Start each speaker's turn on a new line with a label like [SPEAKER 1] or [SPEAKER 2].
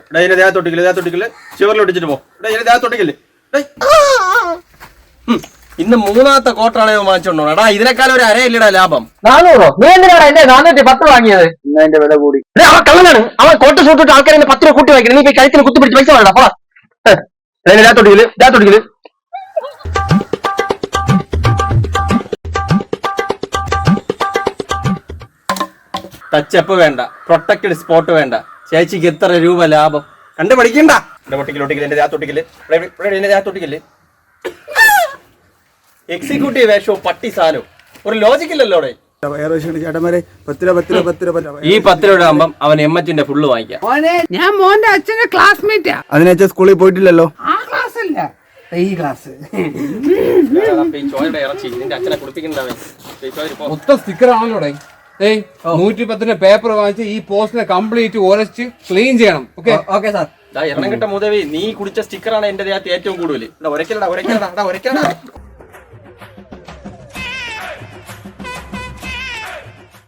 [SPEAKER 1] ഇതിന്റെ ദേഹത്തൊട്ടിക്കല് ഷിവറിൽ ഒട്ടിച്ചിട്ട് പോ. ഇതിന്റെ ദേഹത്തൊട്ടിക്കല്. ഇന്ന് മൂന്നാമത്തെ ക്വാർട്ടറാണ് വാങ്ങിച്ചോണ്ടോ. എടാ ഇതിനേക്കാളും ഒരു അരയില്ലടാ ലാഭം.
[SPEAKER 2] 400? നീ എന്തിനാണ് എന്റെ 410 വാങ്ങിയത്?
[SPEAKER 1] അതിന്റെ വില കൂടി.
[SPEAKER 2] അവൻ കള്ളനാണ്. അവൻ കോട്ട സൂട്ടിട്ട് ആൾക്കാരെ 10 രൂപ കൂട്ടി വാങ്ങിക്കണം. നീ പോയി കഴുത്തിന് കുത്തിപ്പിടിച്ച് പൈസ വേണ്ട. പോടാ. ദേഹത്തൊട്ടിക്കല്.
[SPEAKER 1] ടച്ചപ്പ് വേണ്ട, പ്രൊട്ടക്റ്റഡ് സ്പോട്ട് വേണ്ട. ചേച്ചിക്ക് എത്ര രൂപ ലാഭം കണ്ടു പഠിക്കണ്ട. എന്റെ ദേഹത്തൊട്ടിക്കല്. എക്സിക്യൂട്ടീവ് വേഷവും പട്ടി സാധനവും ഒരു ലോജിക്കില്ലല്ലോ അവിടെ. ഈ 10 രൂപ ആകുമ്പം അവൻ എമ്മച്ചിന്റെ ഫുള്ള് വാങ്ങിക്കാം.
[SPEAKER 3] ഞാൻ മോന്റെ അച്ഛന്റെ ക്ലാസ്മേറ്റാ.
[SPEAKER 4] അതിനേച്ച സ്കൂളിൽ പോയിട്ടില്ലല്ലോ.
[SPEAKER 3] ആ ക്ലാസ് അല്ല, ഈ ക്ലാസ്.
[SPEAKER 1] ഇറച്ചി നിന്റെ അച്ഛനെ കുളിപ്പിക്കണ്ടാവേ.
[SPEAKER 5] മൊത്തം സ്റ്റിക്കർ ആണല്ലോ. 110 പേപ്പർ വാങ്ങിച്ച് ഈ പോസ്റ്റിനെ കംപ്ലീറ്റ് ഉരച്ച് ക്ലീൻ ചെയ്യണം.
[SPEAKER 2] Okay sir.
[SPEAKER 1] എണ്ണം കിട്ട മുതവി നീ കുടിച്ച സ്റ്റിക്കറാണ് എന്റെ ദേഹത്ത് ഏറ്റവും കൂടുതൽ. ഒരക്കലടാ